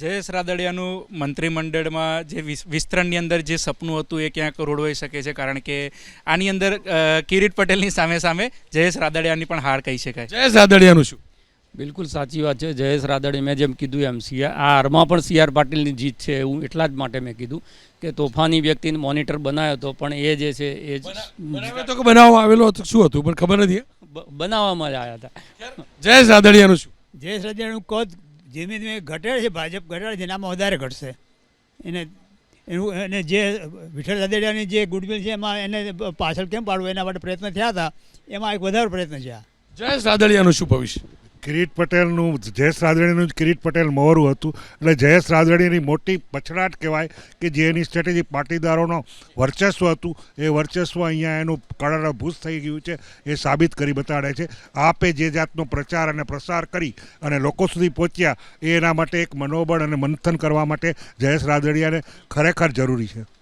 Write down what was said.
જયેશ રાદડિયાનું મંત્રીમંડળમાં જે વિસ્તરણની અંદર જે સપનું હતું એ ક્યાંક રોડવાઈ શકે છે, કારણ કે આની અંદર કિરીટ પટેલની સામે સામે જયેશ રાદડિયાની પણ હાર કહી શકાય. જયેશ રાદડિયાનું શું? બિલકુલ સાચી વાત છે. જયેશ રાદડિયા, મેં જેમ કીધું એમ આ હારમાં પણ સી આર પાટીલની જીત છે એવું એટલા જ માટે મેં કીધું કે તોફાની વ્યક્તિને મોનિટર બનાવ્યો હતો, પણ એ જે છે એ બનાવ્યો તો કે બનાવવામાં આવેલો હતો, શું હતું પણ ખબર નથી. બનાવવામાં જ આવ્યા હતા. જયેશ રાદડિયાનું શું? જયેશ રાદડિયાનું કદ ધીમે ધીમે ઘટે છે, ભાજપ ઘટાડે છે, એનામાં વધારે ઘટશે. એને જે વિઠ્ઠલ રાદડિયાની જે ગુડવિલ છે એમાં એને પાછળ કેમ પાડવું એના માટે પ્રયત્ન થયા હતા, એમાં એક વધારે પ્રયત્ન છે. જયેશ રાદડિયાનું શું ભવિષ્ય? કિરીટ પટેલનું, જયેશ રાદડિયાનું જ કિરીટ પટેલ મોહરું હતું, એટલે જયેશ રાદડિયાની મોટી પછડાટ કહેવાય કે જે એની સ્ટ્રેટેજી પાટીદારોનો વર્ચસ્વ હતું એ વર્ચસ્વ અહીંયા એનું કળરભૂત થઈ ગયું છે, એ સાબિત કરી બતાડે છે. આપે જે જાતનો પ્રચાર અને પ્રસાર કરી અને લોકો સુધી પહોંચ્યા એ એના માટે એક મનોબળ અને મંથન કરવા માટે જયેશ રાદડિયાને ખરેખર જરૂરી છે.